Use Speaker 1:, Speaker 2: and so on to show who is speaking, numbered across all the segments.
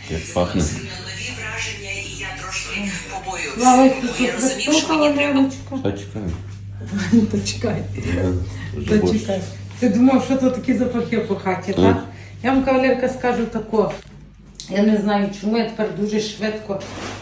Speaker 1: Як пахне.
Speaker 2: Нові враження, і я трошки побоююся. Бо я розумів, що мені треба.
Speaker 1: Та чекаю.
Speaker 3: То чекай.
Speaker 1: Вже
Speaker 3: То
Speaker 1: борщ.
Speaker 3: чекай. Ти думав, що то такі запахи по хаті, так? Я вам, кавалерка, скажу тако. Я не знаю, чому я тепер дуже швидко,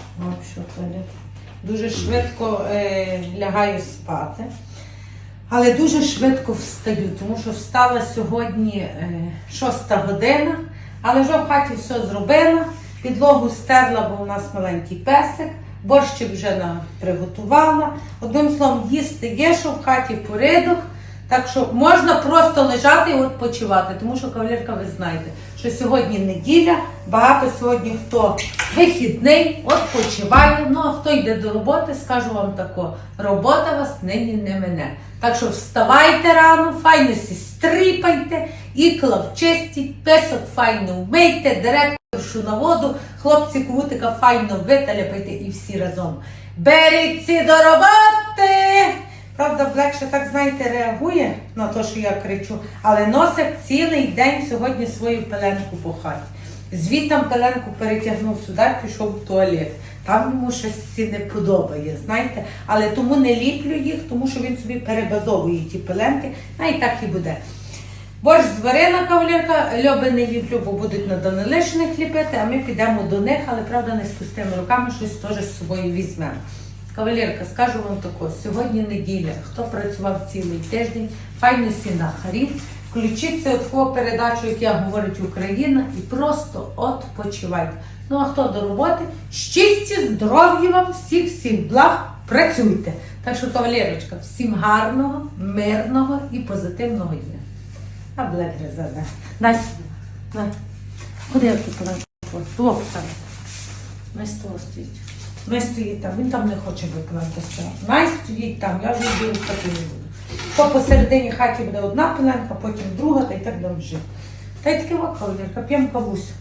Speaker 3: дуже швидко лягаю спати. Але дуже швидко встаю, тому що встала сьогодні 6 година, але вже в хаті все зробила, підлогу стерла, бо у нас маленький песик, борщик вже приготувала. Одним словом, їсти є, що в хаті порядок, так що можна просто лежати і відпочивати, тому що, кавалерка, ви знаєте, що сьогодні неділя, багато сьогодні хто вихідний, відпочиває, ну а хто йде до роботи, скажу вам тако, робота вас нині не мине. Так що вставайте рано, файно сі стріпайте, ікла вчистіть, песок файно вмийте, директоршу на воду, хлопці кутика файно виталяпайте і всі разом. Беріться до роботи! Правда, Блек ще так, знаєте, реагує на те, що я кричу, але носить цілий день сьогодні свою пеленку по хаті. Звідтам пеленку перетягнув сюди, пішов в туалет. Там йому щось ці не подобає, знаєте. Але тому не ліплю їх, тому що він собі перебазовує ті пеленки, а і так і буде. Борщ зварила, кавалерка, льоби не ліплю, бо будуть на Данилишиних ліпити, а ми підемо до них, але, правда, не з пустими руками, щось теж з собою візьмемо. Кавалерка, скажу вам тако, сьогодні неділя, хто працював цілий тиждень, файно сі нахарів, включіться от таку передачу, як я говорить Україна, і просто відпочивайте. Ну а хто до роботи, щастя, здоров'я вам, всіх благ, працюйте. Так що, кавалерочка, всім гарного, мирного і позитивного дня. А Блек резерве. Дай сюди. На. Куди я тут положу? Плохо там. На столу стоїть. Най стоїть там, він там не хоче викладатися. Най стоїть там, я вже йду в хату не буду. То посередині хаті буде одна пеленка, потім друга, та й так далі жити. Та й таки кавалерка, п'ємо кавусю.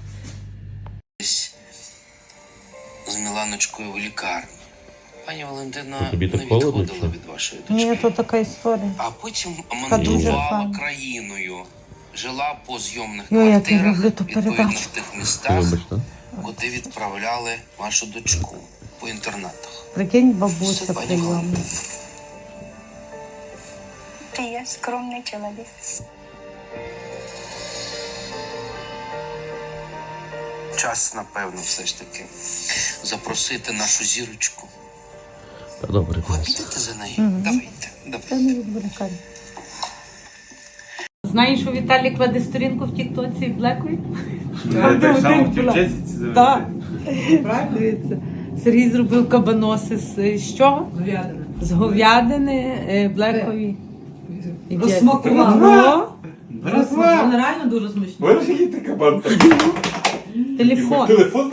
Speaker 2: З Міланочкою в лікарні. Пані Валентина
Speaker 1: Тобі
Speaker 2: не
Speaker 1: так холодно,
Speaker 2: відходила
Speaker 1: чи?
Speaker 2: від вашої дочки.
Speaker 3: Ні, то така історія.
Speaker 2: А потім
Speaker 3: дуже
Speaker 2: мандрувала
Speaker 3: файно.
Speaker 2: країною. Жила по зйомних
Speaker 3: Ой, як я
Speaker 2: квартирах,
Speaker 3: люблю ту
Speaker 2: відповідно,
Speaker 3: передачу.
Speaker 2: в тих містах,
Speaker 1: Любиш, так?
Speaker 2: куди відправляли вашу дочку по інтернатах.
Speaker 3: Прикинь,
Speaker 2: Все,
Speaker 3: бабуся
Speaker 2: пані
Speaker 3: прийомна.
Speaker 2: Валентина.
Speaker 4: Ты я скромный человек.
Speaker 2: Час, напевно, все ж таки запросити нашу зірочку.
Speaker 1: Та добре,
Speaker 2: Ви
Speaker 1: клас.
Speaker 2: підете за нею? Давайте.
Speaker 3: Знаєш, що Віталік веде сторінку в тіктоці в Блекові?
Speaker 5: Так само хотів чесіці завести.
Speaker 3: Так. Дивіться. Сергій зробив кабаноси з чого?
Speaker 6: Говядина.
Speaker 3: З говядини Блекові.
Speaker 6: Розсмакував.
Speaker 5: Братва!
Speaker 6: Воно реально дуже смачно.
Speaker 5: Боже, який ти кабан.
Speaker 3: Телефон.
Speaker 5: Телефон?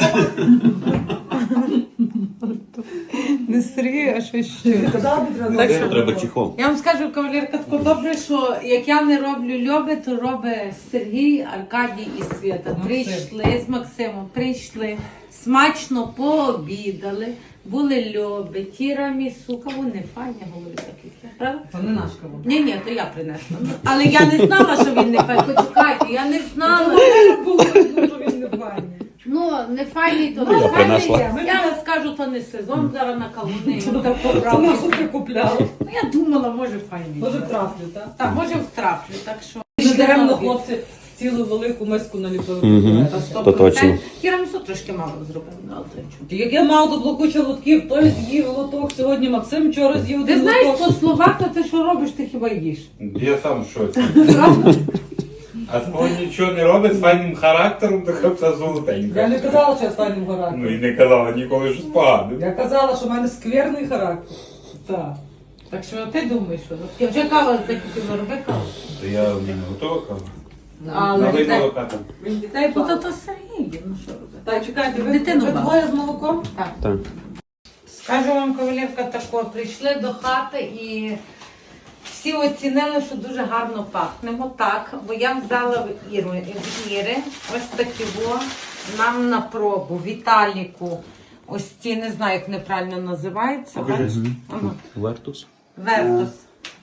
Speaker 3: Не Сергій, а щось ще.
Speaker 6: Казала би, треба.
Speaker 3: Так що-
Speaker 1: Треба чехол.
Speaker 3: Я вам скажу, кавалерка, тако добре, що як я не роблю льоби, то робить Сергій, Аркадій і Свята. Прийшли з Максимом, прийшли, смачно пообідали, були льоби, тірамісу, каву не файні, говорю такі, правда?
Speaker 6: Це не наш кавун.
Speaker 3: Ні, то я принесла. Але я не знала, що він не файний. Почекайте, я не знала.
Speaker 6: Було видно, що він не файний.
Speaker 3: Ну, не файний, то
Speaker 1: Я
Speaker 3: не
Speaker 1: принесла.
Speaker 3: файний. Я вам скажу, то не сезон зараз на кавуни.
Speaker 6: Це нашу прикупляли.
Speaker 3: Ну, я думала, може файний.
Speaker 6: Може трафлю, так?
Speaker 3: Так, може втраплю, так що...
Speaker 6: Не даремно хлопці цілу велику миску наліпили.
Speaker 1: Мгм.
Speaker 6: Та
Speaker 1: То точно.
Speaker 3: Тірамісу трошки мало зробив, але то чому.
Speaker 6: Як я мав тут блокуча лотків, той з'їв лоток, сьогодні Максим вчора з'їв
Speaker 3: Ти
Speaker 6: один
Speaker 3: знаєш,
Speaker 6: лоток.
Speaker 3: по словах, то ти що робиш, ти хіба їш.
Speaker 5: Я сам в шоці.
Speaker 3: Правда?
Speaker 5: А того нічого не робить з файним характером, така вся
Speaker 6: Я не
Speaker 5: золотенька.
Speaker 6: казала, що я стану
Speaker 5: Ну
Speaker 6: характер.
Speaker 5: і не казала ніколи, що спогано.
Speaker 6: Я казала, що в мене скверний характер. Так.
Speaker 3: Так що ти думаєш, що? Я вже кава закипіла, роби каву.
Speaker 5: То я в мене готова кава.
Speaker 3: Але
Speaker 5: Налий
Speaker 3: дітей-
Speaker 5: молока там.
Speaker 6: Він дітей
Speaker 3: Ну,
Speaker 6: багато.
Speaker 3: то Сергій, ну що робити?
Speaker 6: Так, чекайте, ви
Speaker 3: Дитину
Speaker 6: ви
Speaker 3: багато.
Speaker 6: двоє з молоком?
Speaker 3: Так.
Speaker 1: Так.
Speaker 3: Скажу вам, кавалерка, тако, прийшли до хати і всі оцінили, що дуже гарно пахнемо. Так, бо я взяла в Іри ось такі нам на пробу, Віталіку. Ось ці, не знаю, як неправильно називається.
Speaker 1: Покажи.
Speaker 3: Ага.
Speaker 1: Вертус.
Speaker 3: Вертус.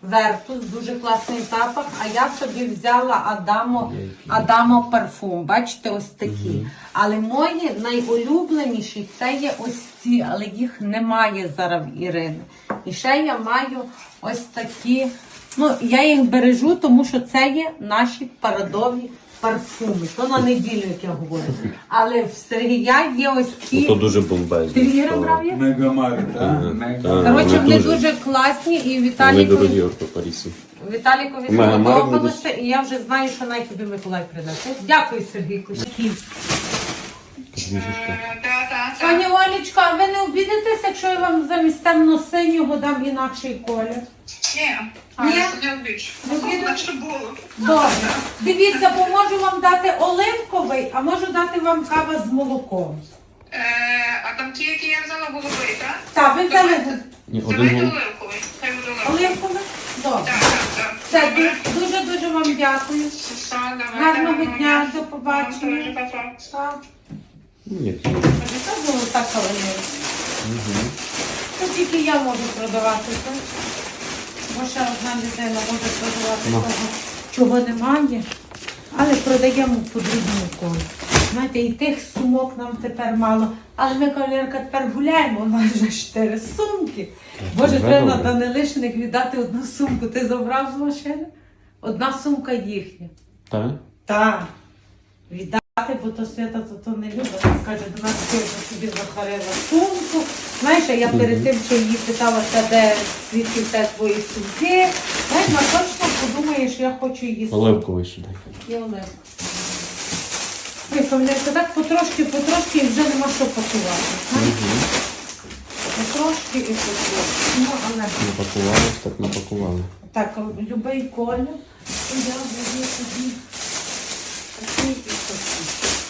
Speaker 3: Вертус, дуже класний запах. А я собі взяла Адамо парфум. Бачите, ось такі. Але мої найулюбленіші це є ось ці, але їх немає зараз в Ірини. І ще я маю ось такі. Ну, я їх бережу, тому що це є наші парадові парфуми. То на неділю, як я говорю. Але в Сергія є ось ці.
Speaker 1: То дуже бомбезно.
Speaker 3: Ти Іра брав їх?
Speaker 5: Мегамарт,
Speaker 3: Коротше, вони дуже класні і
Speaker 1: Вони
Speaker 3: Віталікові
Speaker 1: дорогі Парісі. Мегамарк
Speaker 3: сподобалося, і я вже знаю, що навіть тобі Миколай придасть. Дякую, Сергійку. Пані Олечко, а ви не обідетесь, якщо я вам замість темно-синього дам інакший колір?
Speaker 7: Ні,
Speaker 3: Ні?
Speaker 7: не обіч.
Speaker 3: Не обіду?
Speaker 7: Наче було.
Speaker 3: Добре. Дивіться, бо можу вам дати оливковий, а можу дати вам кава з молоком.
Speaker 7: А там ті, які я взяла, голубий, так?
Speaker 3: Так, ви взяли
Speaker 1: Ні,
Speaker 7: Давайте
Speaker 1: один
Speaker 7: оливковий. Хай буде оливковий.
Speaker 3: оливковий? Добре.
Speaker 7: Так.
Speaker 3: Все, дуже-дуже вам дякую.
Speaker 7: Все, давайте.
Speaker 3: Гарного дня, до побачення.
Speaker 7: Дуже па-па.
Speaker 3: Так.
Speaker 1: Ні.
Speaker 3: Це було так кавалерія. Це тільки я можу продавати, так? Бо ще одна людина може продавати того, чого немає. Але продаємо по другому колу. Знаєте, і тих сумок нам тепер мало. Але ми, кавалерка, тепер гуляємо, у нас вже 4 сумки. Боже,
Speaker 1: вже
Speaker 3: треба на
Speaker 1: добре.
Speaker 3: Данилишиних віддати одну сумку. Ти забрав з машини? Одна сумка їхня.
Speaker 1: Так?
Speaker 3: Так. Віддати, бо то Свята то не любить. Вона скаже, до нас Свята собі захарила сумку. Знаєш, а я перед тим, що її питалася, де звідки те твої сумки. Знаєш, вона точно подумає, що я хочу її сумку.
Speaker 1: Оливковий ще дай.
Speaker 3: І Олег. Ой, Кам'янка, так потрошки і вже нема що пакувати. знаєш? Потрошки і потрошки. Ну, але...
Speaker 1: Напакували, так напакували.
Speaker 3: Так, любий колір. І я буду собі такий і такий.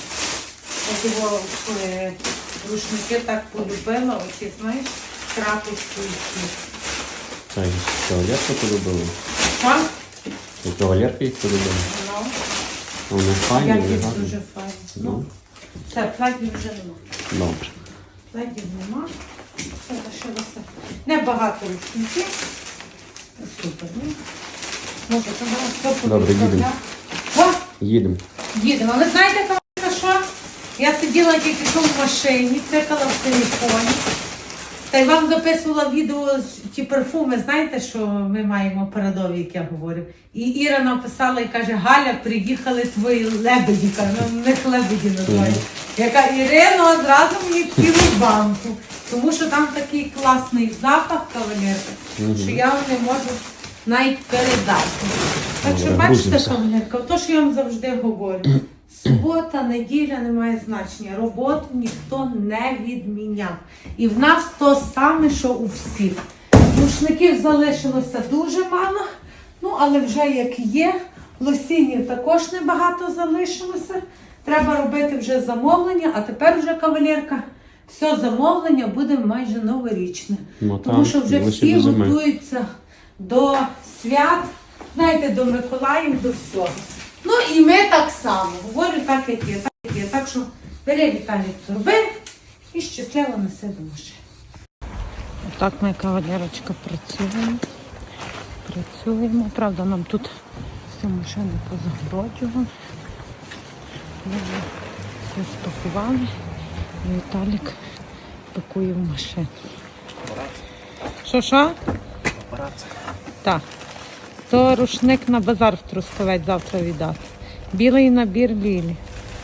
Speaker 3: Я його рушники так полюбила, оці, знаєш, крапочки які.
Speaker 1: Так, кавалерка полюбили.
Speaker 3: Так?
Speaker 1: І кавалерка їх полюбили.
Speaker 3: Ну,
Speaker 1: Вони файні,
Speaker 3: як
Speaker 1: вони
Speaker 3: їх
Speaker 1: гарні.
Speaker 3: дуже файно. Ну,
Speaker 1: Ну,
Speaker 3: все, платів вже нема.
Speaker 1: добре.
Speaker 3: Платів нема. Все лишилося. Небагато рушників. Супер, ну. Може, то зараз все
Speaker 1: Добре, їдемо.
Speaker 3: О,
Speaker 1: Їдемо.
Speaker 3: їдемо. Але знаєте, Кам'янка, що? Я сиділа тільки що в машині, цикала в телефоні. Та й вам записувала відео ті парфуми, знаєте, що ми маємо парадові, як я говорю. І Іра написала і каже, Галя, приїхали твої лебеді, каже, ну, в них лебеді називають. Яка Ірина одразу мені цілу банку. Тому що там такий класний запах, кавалерка, що я вам не можу навіть передати. Так що
Speaker 1: Добре,
Speaker 3: бачите,
Speaker 1: грузимося.
Speaker 3: кавалерка, то, що я вам завжди говорю. Субота, неділя не має значення. Роботу ніхто не відміняв. І в нас то саме, що у всіх. Рушників залишилося дуже мало, ну але вже як є. Лосінів також небагато залишилося. Треба робити вже замовлення, а тепер вже, кавалерка, все замовлення буде майже новорічне.
Speaker 1: Ну,
Speaker 3: Тому
Speaker 1: там,
Speaker 3: що вже
Speaker 1: лише
Speaker 3: всі
Speaker 1: до зими.
Speaker 3: готуються до свят, знаєте, до Миколаїв, до всього. Ну і ми так само. Говорю так, як є, так, як є. Так що бери, Віталій, торби і щасливо неси до машини. Так ми, кавалерочка, працюємо. Правда, нам тут всі машини позагороджували. Ми вже все спакували. І Віталік пакує в машину. Що? Так. То рушник на базар в Трускавець завтра віддати. Білий набір Лілі.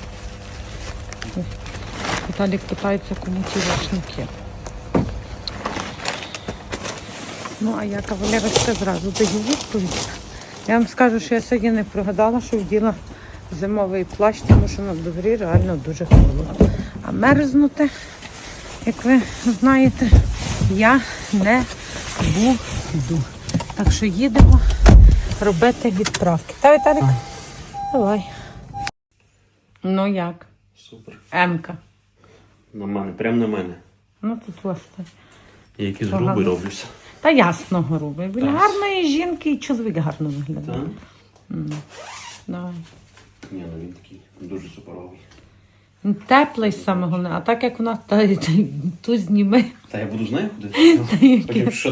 Speaker 3: Віталік питається, кому ті рушники. Ну, а я, кавалерочка, зразу даю відповідь. Я вам скажу, що я сьогодні не прогадала, що вділа зимовий плащ, тому що на дворі реально дуже холодно. А мерзнути, як ви знаєте, я не буду. Так що їдемо робити відправки. Та, Віталік? Давай. Ну як?
Speaker 1: Супер.
Speaker 3: Емка.
Speaker 1: На мене, прямо на мене.
Speaker 3: Ну тут власне.
Speaker 1: Я якийсь
Speaker 3: Погано.
Speaker 1: грубий роблюся.
Speaker 3: Та ясно, грубий. Біля
Speaker 1: Так.
Speaker 3: гарної жінки і чоловік гарно виглядає.
Speaker 1: Так?
Speaker 3: Давай.
Speaker 1: Ні, ну він такий дуже суперовий.
Speaker 3: Він теплий саме головне, а так як у нас тут зніми.
Speaker 1: Та я буду з нею ходити? Потім що той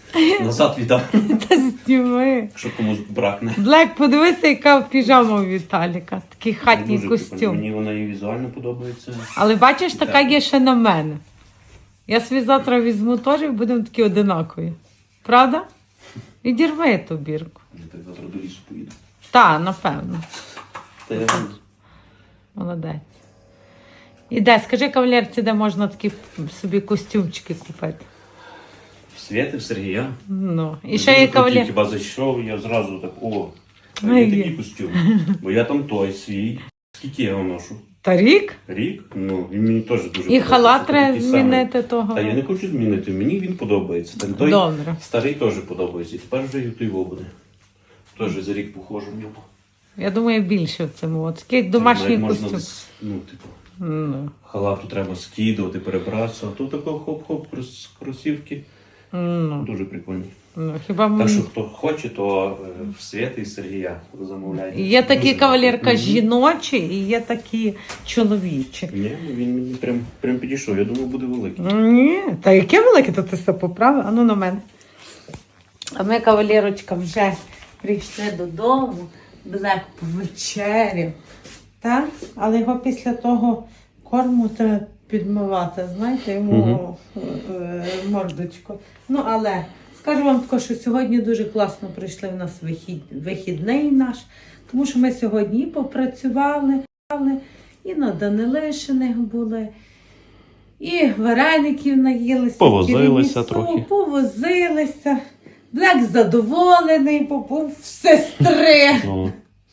Speaker 1: Назад віддав,
Speaker 3: Та зніми.
Speaker 1: якщо комусь бракне.
Speaker 3: Блек, подивися, яка піжама у Віталіка. Такий хатній
Speaker 1: Дуже
Speaker 3: костюм.
Speaker 1: прикольно. Мені вона і візуально подобається.
Speaker 3: Але бачиш, така є ще на мене. Я собі завтра візьму теж і будемо такі одинакові. Правда? Відірви ту бірку.
Speaker 1: Я так завтра до лісу поїду.
Speaker 3: Та, напевно.
Speaker 1: Та я
Speaker 3: Молодець. І де, скажи кавалерці, де можна такі собі костюмчики купити.
Speaker 1: в Свєти, в Сергія.
Speaker 3: Ну, і ще є кавалер.
Speaker 1: Хіба зайшов, я зразу так, о,
Speaker 3: Ну,
Speaker 1: є
Speaker 3: є.
Speaker 1: такий костюм. Бо я там той свій. Скільки я його ношу?
Speaker 3: Та рік?
Speaker 1: Рік? Ну, він мені теж дуже
Speaker 3: І
Speaker 1: подобається.
Speaker 3: халат
Speaker 1: Це
Speaker 3: треба
Speaker 1: такий самий.
Speaker 3: змінити того.
Speaker 1: Та я не хочу змінити, мені він подобається. Там той
Speaker 3: Добре.
Speaker 1: старий теж подобається. І тепер вже і той буде. Теж за рік похожу в ньому.
Speaker 3: Я думаю, більше в цьому. От такий домашній
Speaker 1: Навіть можна
Speaker 3: костюм.
Speaker 1: ну, типу,
Speaker 3: Ну,
Speaker 1: халату треба скидувати, перебратися, а тут такого хоп-хоп, кросівки.
Speaker 3: ну,
Speaker 1: Дуже прикольні.
Speaker 3: ну, хіба
Speaker 1: Так що хто хоче, то в Свєти і Сергія замовляйте.
Speaker 3: є такі
Speaker 1: Дуже
Speaker 3: кавалерка
Speaker 1: гарно.
Speaker 3: жіночі і є такі чоловічі.
Speaker 1: Ні, ну він мені прям підійшов. Я думав, буде великий.
Speaker 3: Ні, та яке велике, то ти все поправив, а ну на мене. А ми, кавалерочка, вже прийшли додому, Блек повечеряв. Так? Але його після того корму треба підмивати, знаєте, йому мордочку. Ну, але скажу вам тако, що сьогодні дуже класно прийшли в нас вихідний наш, тому що ми сьогодні і попрацювали, і на Данилишиних були, і вареників наїлися.
Speaker 1: Повозилися
Speaker 3: тірамісу,
Speaker 1: трохи.
Speaker 3: Повозилися. Блек задоволений, побув в сестри.
Speaker 1: Ну,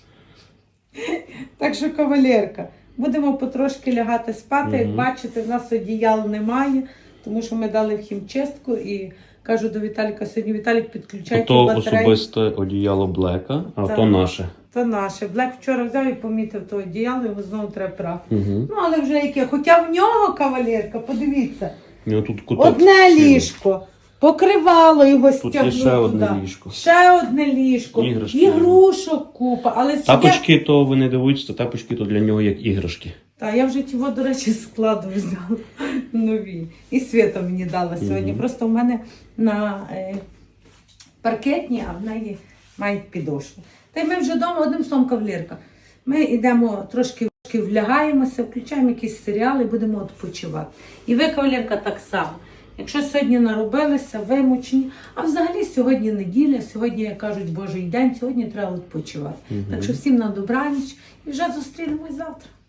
Speaker 3: Так що, кавалерка, будемо потрошки лягати спати. Як бачите, в нас одіял немає, тому що ми дали в хімчистку і кажу до Віталіка, сьогодні Віталік підключайте
Speaker 1: то
Speaker 3: батарею.
Speaker 1: особисте одіяло Блека, а
Speaker 3: Так.
Speaker 1: то наше.
Speaker 3: То наше. Блек вчора взяв і помітив то одіяло, його знову треба прати.
Speaker 1: Угу.
Speaker 3: Ну, але вже яке. Хоча в нього, кавалерка, подивіться,
Speaker 1: Тут куток
Speaker 3: одне
Speaker 1: цілий.
Speaker 3: ліжко. Покривало його
Speaker 1: Тут
Speaker 3: стягнуло
Speaker 1: є ще одне
Speaker 3: туди.
Speaker 1: ліжко.
Speaker 3: Ще одне ліжко.
Speaker 1: Іграшки.
Speaker 3: Ігрушок купа. Але
Speaker 1: Тапочки, то ви не дивуйтесь, то тапочки то для нього як іграшки.
Speaker 3: Та я вже його, до речі, з складу взяла нові. І Свята мені дала сьогодні. Просто в мене на паркетні, а в неї мають підошву. Та й ми вже вдома, одним словом, кавалерка. Ми йдемо трошки влягаємося, включаємо якісь серіали і будемо відпочивати. І ви, кавалерка, так само. Якщо сьогодні наробилися, вимучені, а взагалі сьогодні неділя, сьогодні, як кажуть, Божий день, сьогодні треба відпочивати. Так що всім на добраніч і вже зустрінемось завтра.